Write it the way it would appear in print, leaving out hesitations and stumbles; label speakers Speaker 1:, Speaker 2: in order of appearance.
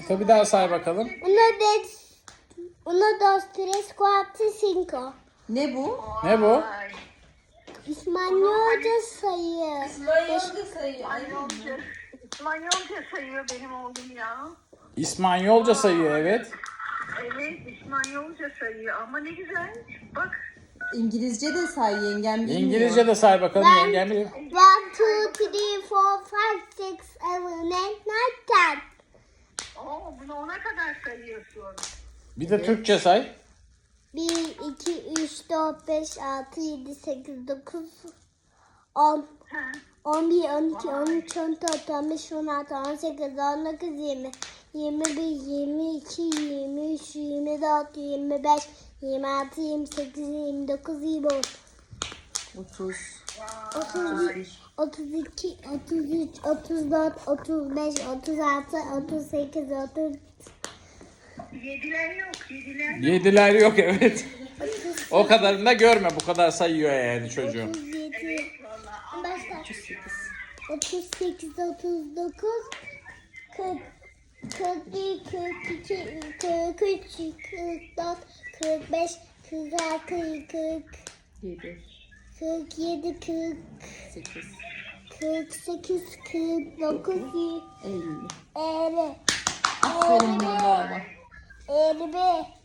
Speaker 1: Bir daha say bakalım.
Speaker 2: Uno, dos, tres, cuatro, cinco.
Speaker 3: Ne bu?
Speaker 1: Ne bu?
Speaker 2: İspanyolca sayı.
Speaker 3: İspanyolca sayı.
Speaker 4: İspanyolca sayıyor benim oğlum ya.
Speaker 1: İspanyolca sayıyor, evet.
Speaker 4: Evet, İspanyolca sayıyor ama ne güzel. Bak.
Speaker 3: İngilizce de say, yengem bilmiyor.
Speaker 1: İngilizce de say bakalım, yengem biliyor.
Speaker 2: 1, 2, 3, 4, 5, 6, 7, 8, 9, 10.
Speaker 4: Oo, bunu ona kadar sayıyorsun.
Speaker 1: Bir de Türkçe say.
Speaker 2: 1, 2, 3, 4, 5, 6, 7, 8, 9, 10.
Speaker 4: Ha.
Speaker 2: 11, 12, 13, 14, 15, 16, 18, 19, 20, 21, 22, 23, 24, 25, 26, 28, 29, 30,
Speaker 3: 30.
Speaker 2: 31, 32, 33, 34, 35, 36, 38, 30,
Speaker 4: Yediler yok, yediler yok.
Speaker 1: Yediler yok, evet. O kadarını da görme, bu kadar sayıyor yani çocuğum.
Speaker 2: 37,
Speaker 4: Vallahi.
Speaker 2: başla. 38, 39, 40, 41, 42, 43, 44, 45, 46, 40,
Speaker 3: 7.
Speaker 2: 47, 40,
Speaker 3: 8.
Speaker 2: 48, 49,
Speaker 3: 50.
Speaker 2: 50,
Speaker 3: Aferin bana.
Speaker 2: 51,